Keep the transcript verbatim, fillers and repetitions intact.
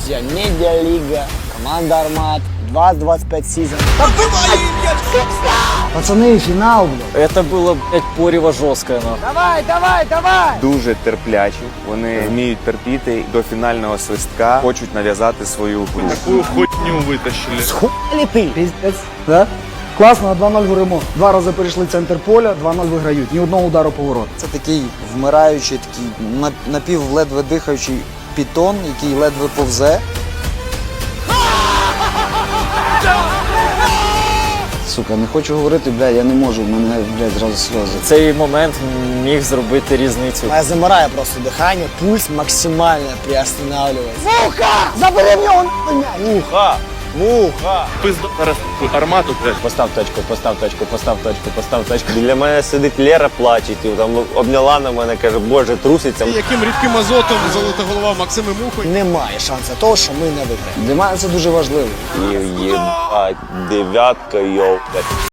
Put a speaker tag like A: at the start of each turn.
A: друзья, Медиалига, команда Армат, двадцать двадцать пять сезон. Пацаны, финал, блядь.
B: Это было, блядь, порево жорстке, ну.
A: Давай, давай, давай!
C: Дуже терплячі, вони вміють терпіти до фінального свистка, хочуть нав'язати свою гру.
D: Такую хуйню вытащили.
A: Схуяли ты?
E: Піздець. Да? Класно, два ноль горимо. Два рази перейшли центр поля, два ноль виграють. Ні одного удару по ворот.
F: Це такий вмираючий, такий нап- напів ледве дихаючий пітон, який ледве повзе. Сука, не хочу говорити, блядь, я не можу, в мене, блядь, зразу сльози.
B: Цей момент міг зробити різницю.
A: Я замираю просто дыхание, пульс максимально приостанавливается.
E: Муха! Забери в нього нахуй м'яч!
D: Муха! Муха! Пизда зараз армату, блядь.
G: Постав точку, постав точку, постав точку, постав точку. Біля мене сидить Лера, плаче, і там обняла на мене, каже, боже, труситься.
H: Яким рідким азотом золота голова Максима Мухи.
A: Немає шансу того, що ми не виграємо.
F: Для мене це дуже важливо.
G: І єбать, дев'ятка, йоу.